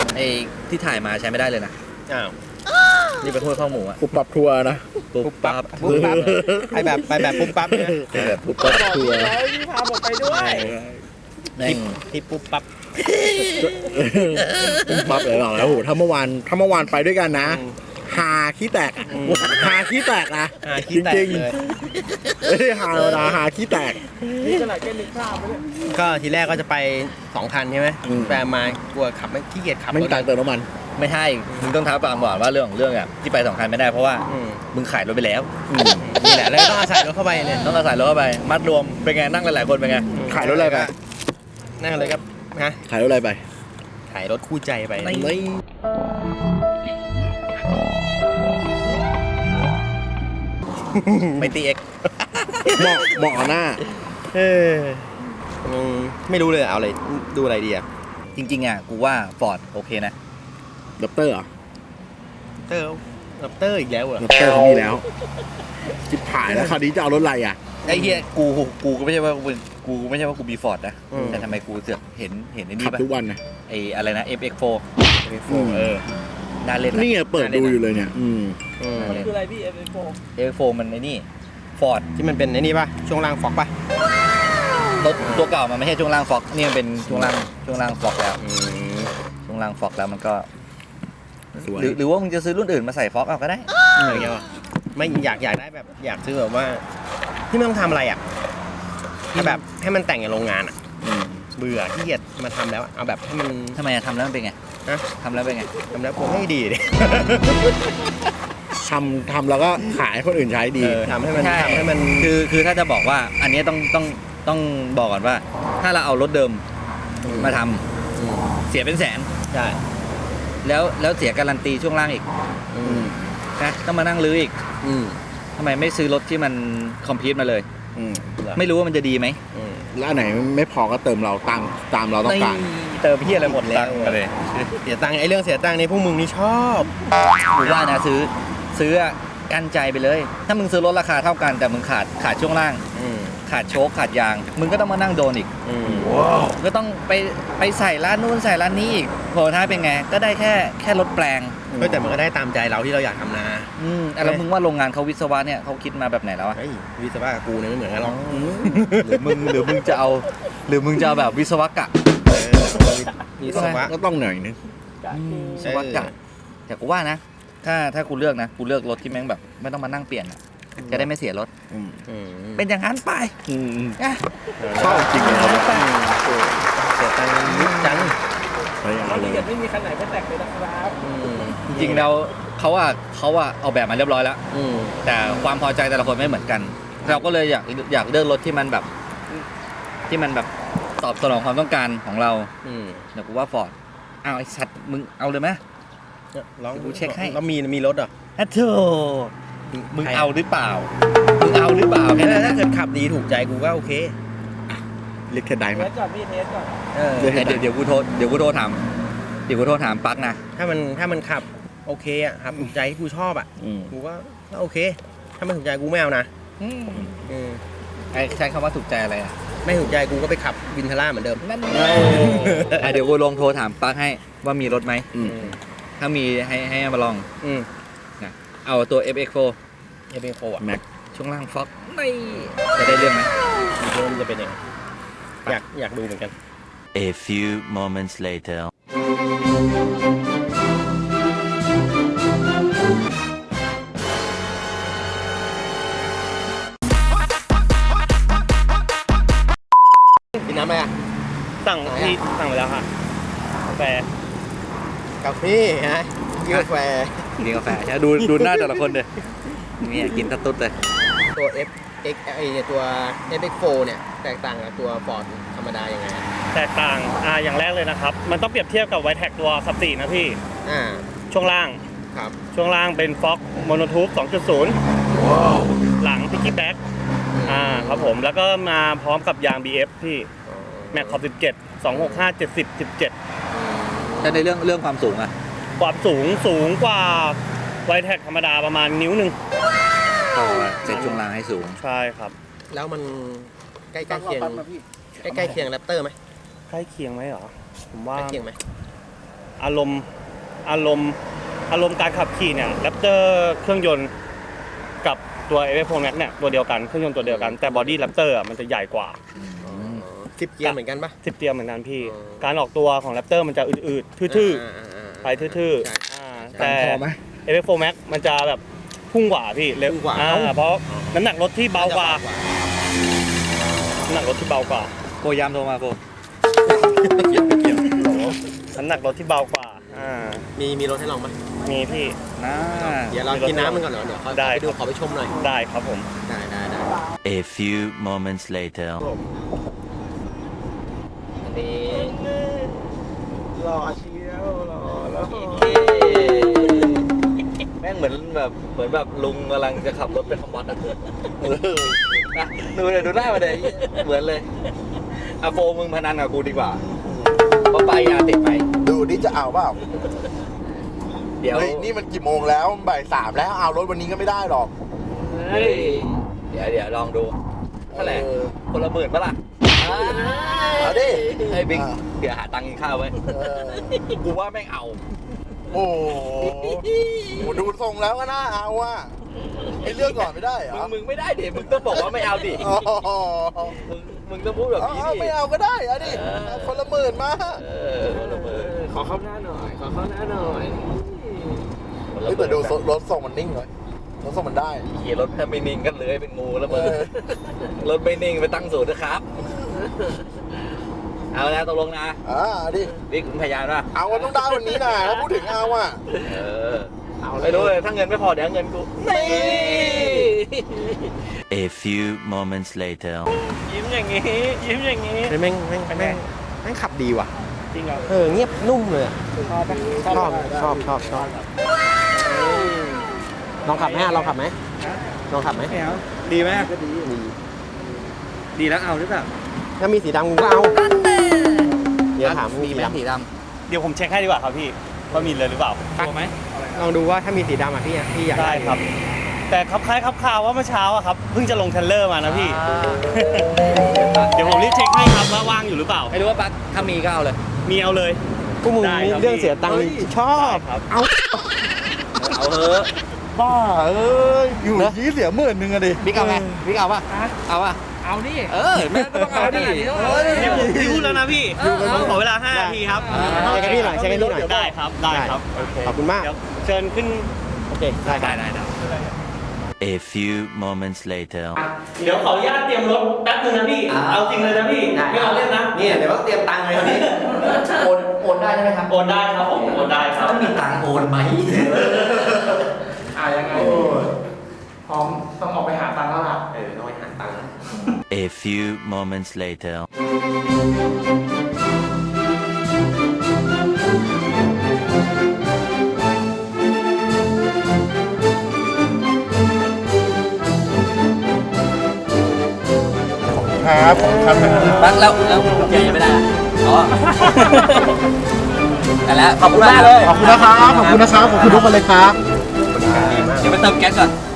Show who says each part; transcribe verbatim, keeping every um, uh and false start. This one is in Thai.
Speaker 1: ไอ้ที่ถ่ายมาใช้ไม่ได้เลยนะ
Speaker 2: อ้าว
Speaker 1: นี่เป็นถ้วยข้าวหมูอะ
Speaker 3: ปุ๊บปั๊บทัวร์นะ
Speaker 1: ปุ๊บปั๊บ
Speaker 2: ปุ๊บปั๊บไปแบบไปแบบปุ๊บปั๊บเนี่ย
Speaker 1: แบบปุ๊บปั๊บ
Speaker 3: ทัวร์
Speaker 2: แล้วพี่พาผมไปด้วย
Speaker 1: แม่ง
Speaker 2: ที่ปุ๊บปั๊บ
Speaker 3: ปุ๊บปั๊บเลยหรอแล้วโหถ้าเมื่อวานถ้าเมื่อวานไปด้วยกันนะหาขี้แตกหาขี้แตกนะ
Speaker 2: หาขี้แตกเลย
Speaker 3: ไม่ได้หาธรรมดาหาขี้แตก
Speaker 2: นี่ขนาดแค่นึกภาพไปเลยก็ทีแรกก็จะไปสองคันใช่ไหม
Speaker 3: อืม
Speaker 2: แต่มากลัวขับไม่ขี้เกียจขับ
Speaker 3: ไม่มีตังค์เติมน้ำมัน
Speaker 1: ไม่ใช่มึงต้องท้าความก่อนว่าเรื่องของเรื่องอะที่ไปสองคันไม่ได้เพราะว่า
Speaker 2: อืม
Speaker 1: มึงขายรถไปแล้ว
Speaker 2: นี่แหละแล้วต้องอาศัยรถเข้าไปเนี่ย
Speaker 1: ต้องอาศัยรถเข้าไปมัดรวมเป็นไงนั่งหลายๆคนเป็นไง
Speaker 3: ขายรถอะไรไป
Speaker 2: นั่งเลยครับฮะ
Speaker 3: ขายรถอะไรไป
Speaker 2: ขายรถคู่ใจไป
Speaker 1: ไม่
Speaker 3: ไม่
Speaker 1: ไม่ตีเอ็ก
Speaker 3: เหมาะเหมาะกับหน้า
Speaker 2: เอออืมไม่รู้เลยเอาอะไรดูอะไรดีอะ
Speaker 1: จริงๆอ่ะกูว่าฟอร์ดโอเคนะ
Speaker 3: ดับเตอร์เหรอ
Speaker 2: เตอร์ลับเตอร์อีกแล้วเหรอ
Speaker 3: ดับเตอร์เขามีแล้วจิบผายแล้วคราวนี้จะเอารถอะไรอ่ะ
Speaker 1: ไอ้เหี้ยกูกูก็ไม่ใช่ว่ากูกูไม่ใช่ว่ากูมีฟอร์ดนะแต่ทำไมกูเสือกเห็นเห็นไอ้นี่
Speaker 3: ขับ
Speaker 1: ปะ
Speaker 3: ทุกวันนะ
Speaker 1: ไอ้อะไรนะ เอฟ เอ็กซ์ โฟร์
Speaker 3: อืม
Speaker 1: เออน่าเล่นนะ
Speaker 3: นี่ไงเปิดดูอยู่เลยเนี่ย อืม
Speaker 2: อืม
Speaker 4: คืออะไรพี่ เอฟ เอ็กซ์ โฟร์
Speaker 1: เอฟ เอ็กซ์ โฟร์มันไอ้นี่ฟอร์ด
Speaker 2: ที่มันเป็นไอ้นี่ป่ะช่วงล่างฟอกป่ะ
Speaker 1: รถตัวเก่ามันไม่ใช่ช่วงล่างฟอกนี่มันเป็นช่วงล่างช่วงล่างฟอกแล้ว
Speaker 2: อืม
Speaker 1: ช่วงล่างฟอกแล้วมันก็
Speaker 3: สวย
Speaker 1: หรือหรือว่ามึงจะซื้อรุ่นอื่นมาใส่ฟอกเอาก็ได้
Speaker 2: อย่างเงี้ยวะไม่อยากอยากได้แบบอยากซื้อแบบว่า ที่ไม่ต้องทำอะไรอ่ะที่แบบให้มันแต่งอย่างโรงงานอ่ะ
Speaker 3: อืม
Speaker 2: เบื่อที่เกียจมาทำแล้วอะเอาแบบให้มัน
Speaker 1: ทำไมอะทำแล้วมันเป็นไง
Speaker 2: ฮะ
Speaker 1: ทำแล้วเป็นไง
Speaker 2: ทำแล้วผมไม่ดีดิ
Speaker 3: ทำทำแล้วก็ขายให้คนอื่นใช้ดี
Speaker 2: เออทำให้มัน
Speaker 1: ใช่
Speaker 2: ทำให้มัน
Speaker 1: คือคือถ้าจะบอกว่าอันนี้ต้องต้องต้องบอกก่อนว่า ถ้าเราเอารถเดิมมาทำ
Speaker 2: อืม
Speaker 1: เสียเป็นแสน
Speaker 2: ใช่
Speaker 1: แล้วแล้วเสียการันตีช่วงล่างอีก
Speaker 2: อืม
Speaker 1: นะต้องมานั่งรื้ออีก
Speaker 2: อืม
Speaker 1: ทำไมไม่ซื้อรถที่มันคอมพิวต์มาเลย
Speaker 3: อืม
Speaker 1: ไม่รู้ว่ามันจะดีไหม
Speaker 2: อืม
Speaker 3: แล้วอันไหนไม่พอก็เติมเราตังตามเราต้องการ
Speaker 2: เติมพี่อะไรหมดแล้ว
Speaker 1: ตังค์มาเลย
Speaker 2: เสียตังค์ไอ้เรื่องเสียตังค์นี่พวกมึงนี่ชอบ
Speaker 1: กูว่านะซื้อซื้ออะกันใจไปเลย ถ้ามึงซื้อรถราคาเท่ากันแต่มึงขาดขาดช่วงล่าง
Speaker 2: อืม
Speaker 1: ขาดโชคขาดยาง มึงก็ต้องมานั่งโดนอีก
Speaker 2: อืม
Speaker 1: ก็ต้องไปไปใส่ร้านนู้นใส่ร้านนี้อีกโผล่ท้ายเป็นไง ก็ได้แค่แค่รถแปลง
Speaker 2: ก็แต่มันก็ได้ตามใจเราที่เราอยากทำนา
Speaker 1: อืมอ่ะแล้วมึงว่าโรงงานเขาวิศวะเนี่ยเขาคิดมาแบบไหนแล้วอะ
Speaker 2: เฮ้ยวิศวะกับกูเนี่ยไม่เหมือนกันหรอก
Speaker 1: หรือมึงหรือมึงจะเอา หรือมึงจะเอาแบบวิศวกะ
Speaker 2: เออวิศวะ
Speaker 3: ก็ต้องหน่อยนึง
Speaker 1: วิศวกะแต่กูว่านะ ถ้าถ้ากูเลือกนะกูเลือกรถที่แม่งแบบ ไม่ต้องมานั่งเปลี่ยนอะจะได้ไม่เสียรถ
Speaker 3: อืม
Speaker 2: อืม
Speaker 1: เป็นอย่างนั้นไป
Speaker 3: อืมอืม
Speaker 1: นะ
Speaker 3: ชอบจริงเลย
Speaker 1: ไป
Speaker 2: เสียตังค์นิดจัง
Speaker 3: ไปเอาเล
Speaker 4: ที่
Speaker 3: ย
Speaker 4: เกิดไม่มีคันไหนไม่แตกเลยนะครับ
Speaker 2: อืม
Speaker 1: จริงๆแล้วเขาอะเขาอะเอาแบบมาเรียบร้อยแล้ว
Speaker 2: อืม
Speaker 1: แต่ความพอใจแต่ละคนไม่เหมือนกัน เราก็เลยอยากอยากเลือกรถที่มันแบบ ที่มันแบบตอบสนองความต้องการของเรา
Speaker 2: อืม
Speaker 1: เดี๋ยวกูว่าฟอร์ดอ้าวไอ้สัตว์มึงเอาเลยไหม
Speaker 2: ลอง
Speaker 1: เดี๋ยวกูเช็คให้
Speaker 2: แล้วมีมีรถเหรอ
Speaker 1: อะโธ่มึงเอาหรือเปล่า มึงเอาหรือเปล่าแค่
Speaker 2: แค่
Speaker 1: นั้น
Speaker 2: ถ้า
Speaker 1: นะ
Speaker 2: เกิดขับดีถูกใจกูก็โอเค
Speaker 3: เรียกเทนได
Speaker 4: เท
Speaker 3: ไหม
Speaker 4: สก่อนพี่เทสก่อน
Speaker 2: เออ
Speaker 3: เดี๋ยว
Speaker 1: เดี๋ยวเดี๋ยวกูโทรเดี๋ยวกูโทรถามเดี๋ยวกูโทรถามปักนะ
Speaker 2: ถ้ามันถ้ามันขับโอเคอ่ะครับถูกใจที่กูชอบอ่ะ
Speaker 3: อืม
Speaker 2: กูก็ก็โอเค ถ้าไม่ถูกใจกูไม่เอานะอืม
Speaker 1: ไอ้ใช้คำว่าถูกใจอะไรอ่ะ
Speaker 2: ไม่ถูกใจกูก็ไปขับวินทาร่าเหมือนเดิม
Speaker 1: นั่นไงอ่ะเดี๋ยวกูลองโทรถามปักให้ว่ามีรถไหม
Speaker 3: อืม
Speaker 1: ถ้ามีให้ให้มาลอง
Speaker 2: อืม
Speaker 1: เอาตัว เอฟ เอ็กซ์ โฟร์
Speaker 2: เอฟเอ็นโฟอ่ะ
Speaker 3: แม็ก
Speaker 1: ช่วงล่างฟ็อกไม่จะได้เรื่องไหม
Speaker 2: ดูว่ามันจะเป็นยังไงอยากอยากดูเหมือนกัน
Speaker 5: A few moments later.
Speaker 2: กินน้ำอะไรอ่ะ
Speaker 4: สั่งที่สั่งไปแล้วค่ะกาแฟ
Speaker 2: กาแฟฮะกาแฟ
Speaker 1: กินกาแฟใช่ดูดูหน้าแต่ละคนเลยนี่กินตะตุ๊ดเลย
Speaker 2: ตัว F X ไอตัว เอฟ เอ็กซ์ โฟร์ เนี่ยแตกต่างกับตัว Ford ธรรมดายังไงอะ
Speaker 4: แตกต่างอ่าอย่างแรกเลยนะครับ มันต้องเปรียบเทียบกับไวแท็กตัวซับสี่นะพี่
Speaker 2: อ่า
Speaker 4: ช่วงล่าง
Speaker 2: ครับ
Speaker 4: ช่วงล่างเป็นฟ็อกโมโนทูบ สองจุดศูนย์ หลังพิกกี้แบ็กอ่าครับผม แล้วก็มาพร้อมกับยาง บี เอฟ พี่แม็กขอบสิบเจ็ด สองหกห้า เจ็ดสิบ สิบเจ็ด
Speaker 1: แต่ในเรื่องเรื่องความสูงอะ
Speaker 4: ความสูงสูงกว่าไวแท็กธรรมดาประมาณนิ้วหนึ่ง
Speaker 1: ก็เซ็ตช่วงล่างให้สูง
Speaker 4: ใช่ครับ
Speaker 2: แล้วมันใกล้ใกล้เคียงใกล้ใกล้เคียงแรปเตอร์ไหม
Speaker 4: ใกล้เคียงไหมเหรอ ผมว่า
Speaker 2: ใกล้เคียงไหม
Speaker 4: อารมณ์อารมณ์อารมณ์การขับขี่เนี่ยแรปเตอร์เครื่องยนต์กับตัว เอฟ เอฟ โฟร์ Max เนี่ยตัวเดียวกันเครื่องยนต์ตัวเดียวกันแต่บอดี้แรปเตอร์มันจะใหญ่กว่า
Speaker 2: สิบเกียร์เหมือนกันปะ
Speaker 4: สิบเตียงเหมือนกันพี่
Speaker 2: อ๋อ
Speaker 4: การออกตัวของแรปเตอร์มันจะอืดๆทื่อๆไปทื่อๆอ่าแต่
Speaker 3: พอไหม
Speaker 4: เอฟ เอฟ โฟร์ Max มันจะแบบพุ่งกว่าพี่เร็ว
Speaker 2: พุ่งกว่า
Speaker 4: อ่าเพราะน้ำหนักรถที่เบากว่าน้ำหนักรถที่เบากว่า
Speaker 1: โกยามโทรมาโก
Speaker 4: น้ำหนักรถที่เบากว่าอ่า
Speaker 2: มีมีรถให้ลองปะ
Speaker 4: มีพี่
Speaker 1: น่า
Speaker 2: เดี๋ยวเรากินน้ำมันก่อนเหรอเดี๋ยวขอ
Speaker 4: ได้
Speaker 2: ไปดู
Speaker 4: ครับ
Speaker 2: ขอไปชมหน่อย
Speaker 4: ได้ครับผม
Speaker 2: ได้ได้ได้
Speaker 5: A few moments later.
Speaker 1: อันนี้
Speaker 3: รอเชียวรอแล้ว
Speaker 1: แม่งเหมือนแบบเหมือนแบบลุงกำลังจะขับรถไปทำวัดอ่ะเออนะดูเลยดูหน้ามาเลยเหมือนเลยอะโฟมึงพนันกับกูดีกว่าเพราะไปยาติดไป
Speaker 3: ดูนี่จะเอาเปล่า
Speaker 1: เดี๋ยว
Speaker 3: เฮ้ยนี่มันกี่โมงแล้วบ่ายสามแล้วเอารถวันนี้ก็ไม่ได้หรอก
Speaker 1: เฮ้ยเดี๋ยวเดี๋ยวลองดูเท่าไหร่
Speaker 3: เออ
Speaker 1: คนละหมื่นปะล่ะ
Speaker 3: เอาดิ
Speaker 1: ไอ้บิ๊ก
Speaker 3: อ่า
Speaker 1: เดี๋ยวหาตังค์กินข้าวไว้
Speaker 3: เออ
Speaker 1: กูว่าแม่งเอา
Speaker 3: โอ้โหดูทรงแล้วก็น่าเอาอ่ะไอ้เลือกก่อนไม่ได้เหร
Speaker 1: มึ
Speaker 3: อง
Speaker 1: มึงไม่ได้ดิมึงต้องบอกว่าไม่เอาดิ
Speaker 3: อ๋อ
Speaker 1: มึงมึงต้องพูดแบบนี้
Speaker 3: เอา
Speaker 1: ดิ
Speaker 3: ไม่เอาก็ได้เอาดิ
Speaker 1: เออ
Speaker 3: เอาคนละหมื่นมา
Speaker 1: เออคนละหมื่น
Speaker 2: ขอเข้าหน้าหน่อย ขอเข้าหน้าหน่อย
Speaker 1: คนละห
Speaker 3: เฮ้ย
Speaker 1: มื่
Speaker 3: แต่
Speaker 1: น
Speaker 3: ดูรถทรงมันนิ่งเลยรถทรงมันได้
Speaker 1: ขี่รถแค่ไม่นิ่งกันเลยเป็นงูแล้วมึง
Speaker 3: เออ
Speaker 1: รถไม่นิ่งไปตั้งศูนย์นะครับ เอาแล้วตกลงนะ
Speaker 3: อ่าดิ
Speaker 1: บิ๊กมึงพยายามนะ
Speaker 3: เอาวันต้องได้วันนี้นะถ้าพูดถึงเอาอ่ะ
Speaker 1: เออไม่รู้เลยถ้าเงินไม่พอเดี๋ยวเงินกูนี่
Speaker 5: A few moments later.
Speaker 4: ยิ้มอย่างนี้ยิ้มอย่างนี้
Speaker 2: เฮ้ยแม่งแม่งแม่งแม่งขับดีว่ะ
Speaker 4: จริงเหรอ
Speaker 2: เออเงียบนุ่มเลยอะ
Speaker 4: ชอบปะ
Speaker 2: ชอบชอบชอบชอบลองขับไหมอะลองขับไหมลองขับไหม
Speaker 1: ไม่เอาดีไหม
Speaker 2: ดี
Speaker 1: ดีแล้วเอาหรือเปล่า
Speaker 2: ถ้ามีสีดำกูก็เอาเดี๋ยวถาม
Speaker 1: มี
Speaker 2: มี
Speaker 1: ไหม
Speaker 2: สีด
Speaker 1: สีด
Speaker 4: เดี๋ยวผมเช็คให้ดีกว่าครับพี่ว่ามีเลยหรือเปล่า
Speaker 1: ำตัวไหม
Speaker 2: ำลองดูว่าถ้ามีสีดำอ่ะพี่อะพี่อยาก
Speaker 4: ได้
Speaker 2: ได้
Speaker 4: ครับ แต่ครับคล้ายครับข่าวว่าเมื่อเช้าอะครับเพิ่งจะลงเทรลเลอร์มานะพี่ เดี๋ยวผมรีบเช็คให้ครับว่าว่างอยู่หรือเปล่า
Speaker 1: ไม่รู้ว่าปั๊กถ้ามีก็เอาเลย
Speaker 4: มีเอาเลย
Speaker 2: พวกมึง
Speaker 4: ได้
Speaker 2: มี
Speaker 4: ครับ
Speaker 2: เรื่องเสียตังค์
Speaker 4: เฮ้ย
Speaker 2: ชอบ
Speaker 4: ได้ครับ
Speaker 2: เอา
Speaker 1: เอาเถอะ
Speaker 3: บ้าเอ้ยอยู่ยี่เสียหมื่นหนึ่งอะดิ
Speaker 1: บิ๊กเอาไหมบิ๊กเอาป่ะเอาป่ะ
Speaker 4: เอาดิ
Speaker 1: เออแม่ก็ต้องเอาดิ
Speaker 3: เฮ้ย
Speaker 4: เดี๋ยวผมพิวแล้วนะพี่ผมขอเวลาห้านาทีครับ
Speaker 2: เช็คให้พี่หน่อยเช็คให้พี่หน่อย
Speaker 4: ได้ครับได้ครับโอเค
Speaker 2: ขอบคุณมาก
Speaker 4: เดี๋ยวเชิญขึ้น
Speaker 2: โอเคได้ค
Speaker 1: ได้
Speaker 2: รับ
Speaker 1: ได้ได้
Speaker 5: A few moments later.
Speaker 4: เดี๋ยวขออนุญาตเตรียมรถแป๊บนึงนะพี่ เอาจริงเลยนะพี่ ไม่เอาเล่นนะ
Speaker 2: นี่เดี๋ยวต้องเตรียมตังค์เลยวันนี้
Speaker 1: โอนโอนได้ใช่ไหมครับ
Speaker 4: โอนได้ครับผมโอนได้ครับ
Speaker 1: ต้องมีตังค์โอนไหม
Speaker 6: อ่ายังไงพร้อมต้องออกไปหาตังค์แล้วล่ะ
Speaker 2: เออต้องไปหาตังค์
Speaker 5: A few moments later.
Speaker 3: ครับผมครับ
Speaker 1: ปั๊กแล้วแล้วกุญแจยังไม่ได้อะอ๋อแต่แล้วขอบคุณมากเลย
Speaker 3: ขอบคุณนะครับ ขอบคุณนะครับ ขอบคุณทุกคนเลยครับ
Speaker 1: เดี๋ยวไปเติมแก๊สก่อน